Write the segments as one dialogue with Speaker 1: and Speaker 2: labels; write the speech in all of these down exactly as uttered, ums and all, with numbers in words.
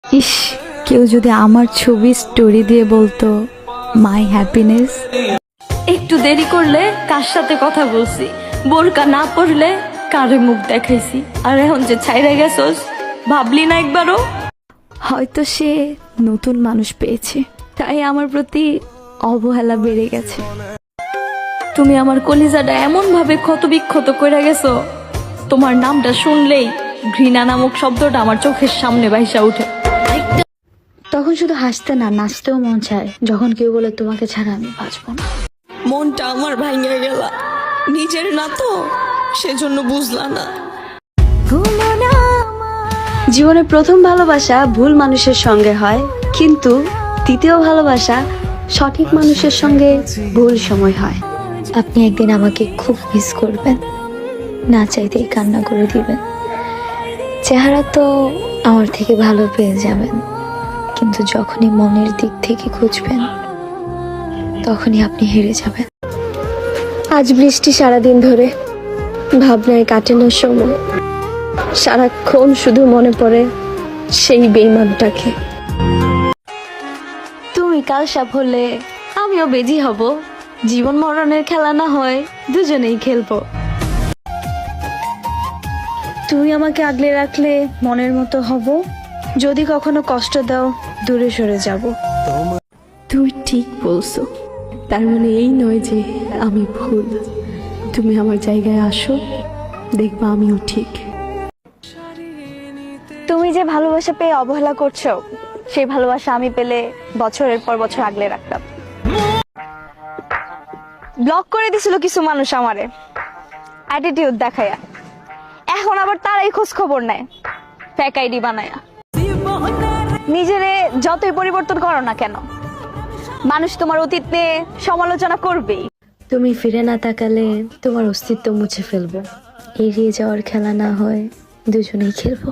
Speaker 1: ইস, কেউ যদি আমার ছবি স্টোরি দিয়ে বলতো মাই হ্যাপিনেস।
Speaker 2: একটু দেরি করলে কার সাথে কথা বলছি, বোরকা না পড়লে কারে মুখ দেখাইছি, আর এখন যে ছাইরা গেছস ভাবলি না একবারও?
Speaker 1: হয়তো সে নতুন মানুষ পেয়েছে, তাই আমার প্রতি অবহেলা বেড়ে গেছে।
Speaker 2: তুমি আমার কলিজাটা এমন ভাবে ক্ষত বিক্ষত করে গেছো, তোমার নামটা শুনলেই ঘৃণা নামক শব্দটা আমার চোখের সামনে ভাইসা উঠে।
Speaker 1: তখন শুধু হাসতে না, নাচতেও মন চায় যখন কেউ বলে তোমাকে ছাড়া আমি বাঁচবো না।
Speaker 2: মনটা আমার ভাঙে গেল, নিজের না তো সেজন্য বুঝলা না।
Speaker 3: জীবনের প্রথম ভালোবাসা ভুল মানুষের সঙ্গে হয়, কিন্তু দ্বিতীয় ভালোবাসা সঠিক মানুষের সঙ্গে ভুল সময় হয়।
Speaker 1: আপনি একদিন আমাকে খুব মিস করবেন, না চাইতেই কান্না করে দিবেন। চেহারা তো আমার থেকে ভালো পেয়ে যাবেন, কিন্তু যখনই মনের দিক থেকে খুঁজবেন তখনই আপনি হেরে যাবেন।
Speaker 3: আজ বৃষ্টি সারাদিন ধরে, ভাবনায় কাটানোর সময় সারাক্ষণ শুধু মনে পড়ে সেই বেঈমানটাকে।
Speaker 1: তুমি কাল সাপ হলে আমিও বেজি হব, জীবন মরণের খেলা না হয় দুজনেই খেলবো।
Speaker 3: তুমি আমাকে আগলে রাখলে মনের মতো হব, যদি কখনো কষ্ট দাও দূরে সরে যাব।
Speaker 4: তুমি ঠিক বলছো, তার মানে এই নয় যে আমি ভুল। তুমি আমার জায়গায় আসো, দেখবা আমিও ঠিক।
Speaker 3: তুমি যে ভালোবাসা পেয়ে অবহেলা করছো, সেই ভালোবাসা আমি পেলে বছরের পর বছর আগলে রাখতাম। ব্লক করে দিছিল কিছু মানুষ আমারে অ্যাটিটিউড দেখায়া, এখন আবার তারাই খোঁজ খবর নেয় ফেক আইডি বানায়া। নিজেরে যতই পরিবর্তন করো না কেন, মানুষ তোমার অতীত নিয়ে সমালোচনা করবেই।
Speaker 1: তুমি ফিরে না তাকালে তোমার অস্তিত্ব মুছে ফেলবো। এড়িয়ে যাওয়ার খেলা না হয় দুজনেই খেলবো।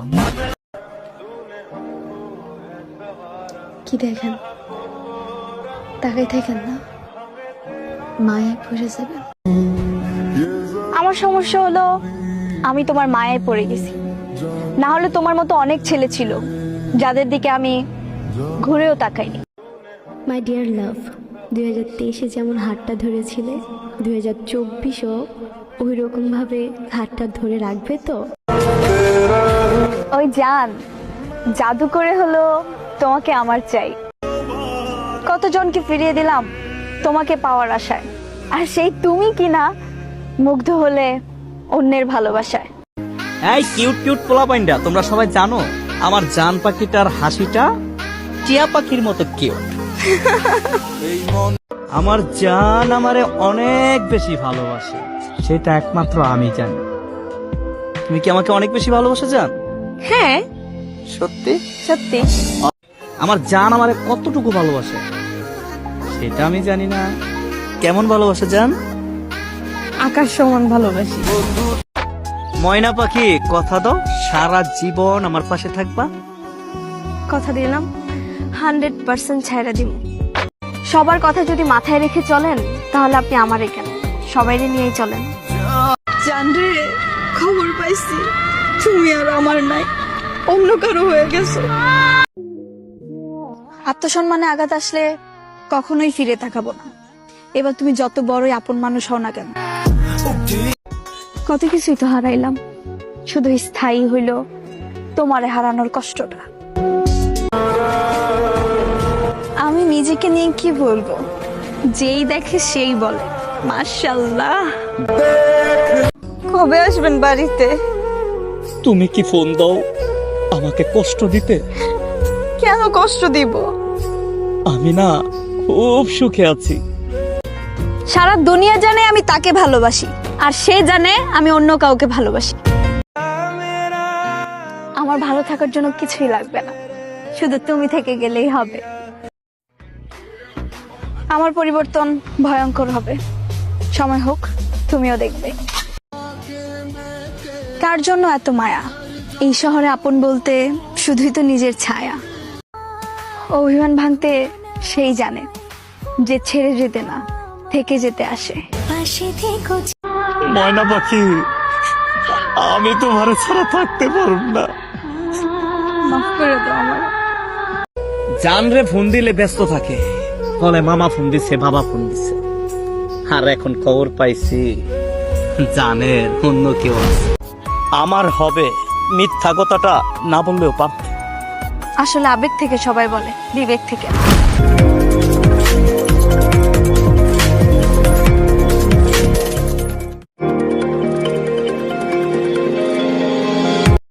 Speaker 1: কি দেখেন, তাকাই থাকেন না, মায়ায় পড়ে যাবেন।
Speaker 3: আমার সমস্যা হলো আমি তোমার মায়ায় পড়ে গেছি, না হলে তোমার মতো অনেক ছেলে ছিল যাদের দিকে আমি ঘুরেও তাকাইনি।
Speaker 4: মাই ডিয়ার লাভ, দুই হাজার তেইশে যেমন হাতটা ধরেছিলে, দুই হাজার চব্বিশও ওই রকম ভাবে হাতটা ধরে রাখবে তো?
Speaker 3: ওই জান, জাদু করে হলো তোমাকে আমার চাই। কতজনকে ফিরিয়ে দিলাম তোমাকে পাওয়ার আশায়, আর সেই তুমি কিনা মুগ্ধ হলে অন্যের ভালোবাসায়।
Speaker 5: এই কিউট কিউট পোলাপাইন্ডা, তোমরা সবাই জানো আমার জান পাখিটার হাসিটা টিয়া পাখির মতো কিউট। আমার জান আমারে অনেক বেশি ভালোবাসে, সেটা একমাত্র আমি জানি। তুমি কি আমাকে অনেক বেশি ভালোবাসা জান?
Speaker 3: হ্যাঁ
Speaker 5: সত্যি?
Speaker 3: সত্যি।
Speaker 5: আমার জান আমারে কতটুকু ভালোবাসে সেটা আমি জানি না। কেমন ভালোবাসা জান?
Speaker 2: আকাশ সমান ভালোবাসি।
Speaker 5: ময়না পাখি, কথা দাও সারা জীবন আমার পাশে থাকবা।
Speaker 3: কথা দিলাম, হান্ড্রেড পার্সেন্ট ছাইরা দিব। সবার কথা যদি মাথায় রেখে চলেন তাহলে আপনি আমারে কেন, সবাইরে নিয়েই চলেন।
Speaker 2: জানরে, খবর পাইছি তুমি আর আমার নাই, অন্য কারো হয়ে গেছো।
Speaker 3: আত্মসম্মানে আঘাত আসলে কখনোই ফিরে তাকাবো না। এবার তুমি যত বড়ই আপন মানুষ হও না কেন, কত কিছুই তো হারাইলাম, শুধু স্থায়ী হইল তোমারে হারানোর কষ্টটা। আমি নিজেকে নিয়ে কি বলবো, যেই দেখে সেই বলে মাশাআল্লাহ। কবে আসবেন বাড়িতে?
Speaker 5: তুমি কি ফোন দাও আমাকে কষ্ট দিতে?
Speaker 3: কেন কষ্ট দিব?
Speaker 5: আমি না খুব সুখে আছি।
Speaker 3: সারা দুনিয়া জানে আমি তাকে ভালোবাসি, আর সে জানে আমি অন্য কাউকে ভালোবাসি। আমার ভালো থাকার জন্য কিছুই লাগবে না, শুধু তুমি থেকে গেলেই হবে। আমার পরিবর্তন ভয়ঙ্কর হবে, সময় হোক তুমিও দেখবে। কার জন্য এত মায়া? এই শহরে আপন বলতে শুধুই তো নিজের ছায়া। অভিমান ভাঙতে সেই জানে যে ছেড়ে যেতে না, থেকে যেতে আসে।
Speaker 5: ময়না পাখি, আমি তোমার ছাড়া থাকতে পারব না।
Speaker 3: মাফ করে দাও আমার।
Speaker 5: জানরে ফোন দিলে ব্যস্ত থাকে, বলে মামা ফোন দিছে, বাবা ফোন দিছে। আর এখন খবর পাইছি জানের অন্য কেউ আছে। আমার হবে মিথ্যা কথাটা না বললেও পারত।
Speaker 3: আসলে আবেগ থেকে সবাই বলে, বিবেক থেকে না।